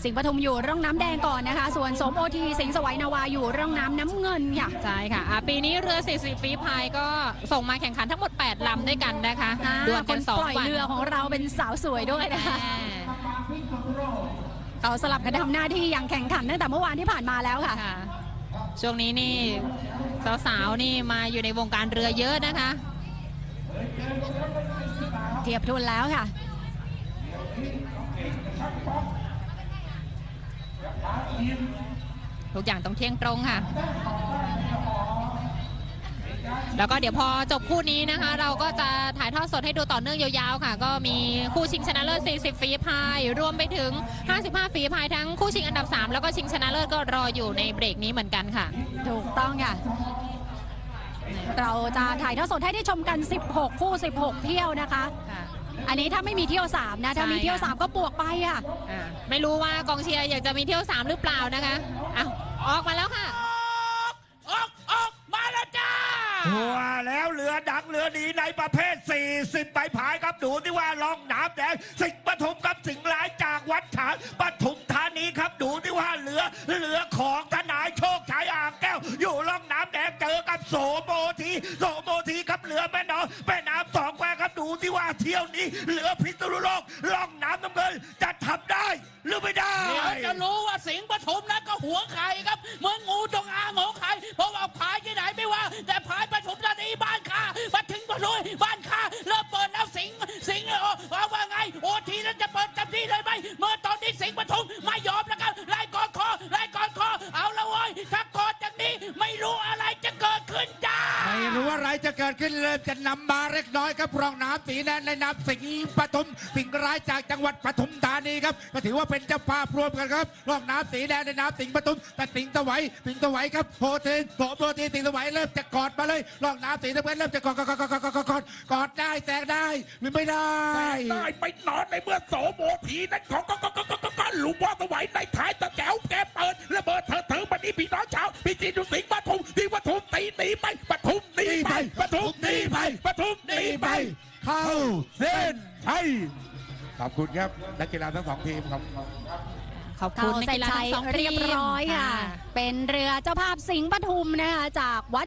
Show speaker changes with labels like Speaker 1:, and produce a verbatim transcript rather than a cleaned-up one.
Speaker 1: สิงห์ปทุมอยู่ร่องน้ำแดงก่อนนะคะส่วนสมโอทีสิงห์สวัยนาวาอยู่ร่องน้ำน้ำเงินค่ะ
Speaker 2: ใช่ค่ะปีนี้เรือสี่สิบฝีพายก็ส่งมาแข่งขันทั้งหมดแปดลำด้วยกันนะคะดวลกันสองวัน
Speaker 1: ปล่อยเรือของเราเป็นสาวสวยด้วยนะคะเขาสลับกันทำหน้าที่อย่างแข่งขันตั้งแต่เมื่อวานที่ผ่านมาแล้วค่ะ
Speaker 2: ช่วงนี้นี่สาวๆนี่มาอยู่ในวงการเรือเยอะนะคะ
Speaker 1: เทียบทุนแล้วค่ะ
Speaker 2: ทุกอย่างต้องเที่ยงตรงค่ะแล้วก็เดี๋ยวพอจบคู่นี้นะคะเราก็จะถ่ายทอดสดให้ดูต่อเนื่องยาวๆค่ะก็มีคู่ชิงชนะเลิศสี่สิบฝีพายรวมไปถึงห้าสิบห้าฝีพายทั้งคู่ชิงอันดับสามแล้วก็ชิงชนะเลิศก็รออยู่ในเบรกนี้เหมือนกันค่ะ
Speaker 1: ถูกต้องค่ะเราจะถ่ายทอดสดให้ได้ชมกันสิบหกคู่สิบหกเที่ยวนะคะอันนี้ถ้าไม่มีเที่ยวสามนะถ้ามีเที่ยวสามก็บวกไปอ่ะ
Speaker 2: ไม่รู้ว่ากองเชียร์อยากจะมีเที่ยวสามหรือเปล่านะคะอ้าวออกมาแล้วค่ะ
Speaker 3: ออกออกมาแล้วจ้าว่าแล้วเรือดังเรือดีในประเภทสี่สิบใบพายครับดูที่ว่าล่องน้ำแดงสิงห์ปทุมกับสิงห์ร้ายจากวัดฉางปทุมธานีครับดูที่ว่าเรือเรือของทนายโชคชัยอ่างแก้วอยู่ล่องน้ำแดงเจอกับโสโมทีโสโมทีครับเรือแม่น้องแม่น้ำสองแควครับดูที่ว่าเที่ยวนี้เรือพิษณุโลกล่องน้ำน้ำเงินจะทำได้หรือไม่ได้
Speaker 4: เดี๋ยวจะรู้ว่าสิงห์ปทุมนั้นก็หัวไข่ครับเมืองงูจงอางหัวไข่เพราะว่าพายที่ไหนไม่ว่าแต่พายปทุมธานีบ้านข้ามาถึงปทุมบ้านข้าเริ่มเปิดแล้วสิงห์สิงห์ว่าว่าไงโอทีนั้นจะเปิดเต็มที่เลยไหมเมื่อตอนนี้สิงห์ปทุมไม่ยอมแล้วครับไล่กอดคอไล่กอดคอเอาละเว้ยถ้ากอดจากนี้ไม่รู้อะไรจะเกิดขึ้นจ้า
Speaker 3: ไม่รู้อะไรจะเกิดขึ้นเริ่มจะนำมาเล็กน้อยครับรองน้ำสีแดงในน้ำสิงห์ปทุมสิงห์ร้ายจากจังหวัดปทุมธานีครับก็ถือว่าเป็นเจ้าภาพรวมกันครับรองน้ำสีแดงในน้ำสิงห์ปทุมแต่สิงห์ตะไวสิงห์ตะไวครับโพเทนโผล่โพเทนสิงห์ตะไวเริ่มจะกอดมาเลยรองน้ำสีน้ำเงินเริ่มจะกอดกอดกอดกอดกอดกอดกอดกอดได้แซงได้หรือไม่ได้
Speaker 4: ได้ไปนอนในเมื่อโสโมทีนั้นของก็ก็ก็ก็ก็ก็หลุมว่าตะไวในท้ายตะแก้วแกเปิดระเบิดเถิดเถิดบัดนี้พี่น้องชาวพี่จีนดูสิงห์ปทุมที่ปทุมตีตีไปปทุมตีไปปทุมตีไปปทุมตีไป
Speaker 3: เข้าเส้นชัยขอบคุณครับนักกีฬาทั้งสองทีมครับ
Speaker 2: ขอบคุณนักกีฬาทั้งสองทีม
Speaker 1: เรียบร้อยค่ะเป็นเรือเจ้าภาพสิงห์ปทุมนะคะจากวัด